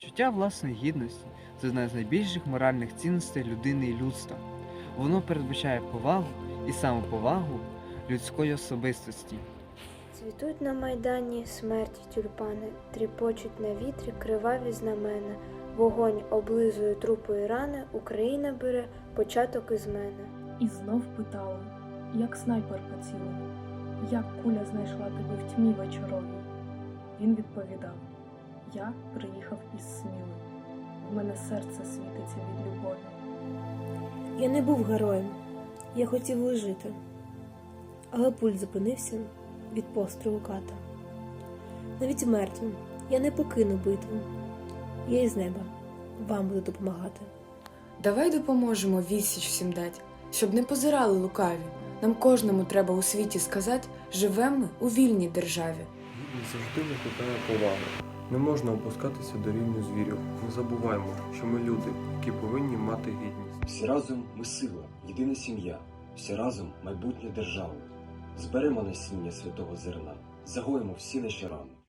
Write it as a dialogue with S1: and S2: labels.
S1: Чуття власної гідності це одна з найбільших моральних цінностей людини і людства. Воно передбачає повагу і самоповагу людської особистості.
S2: Цвітуть на майдані смерті тюльпани, тріпочуть на вітрі криваві знамена. Вогонь облизує трупи і рани, Україна бере початок із мене.
S3: І знов питала, як снайпер поцілив, як куля знайшла тебе в тьмі вечоровій. Він відповідав, я приїхав із Сміли, в мене серце світиться від любові.
S4: Я не був героєм, я хотів лежити, але пульс зупинився від пострілу ката. Навіть мертвим я не покину битву, я із неба вам буду допомагати.
S5: Давай допоможемо відсіч всім дать, щоб не позирали лукаві. Нам кожному треба у світі сказати, живемо ми у вільній державі.
S6: Гідність завжди викликає повагу. Не можна опускатися до рівня звірів. Не забуваймо, що ми люди, які повинні мати гідність.
S7: Всі разом ми сила, єдина сім'я, всі разом майбутнє держави. Зберемо насіння святого зерна, загоїмо всі наші рани.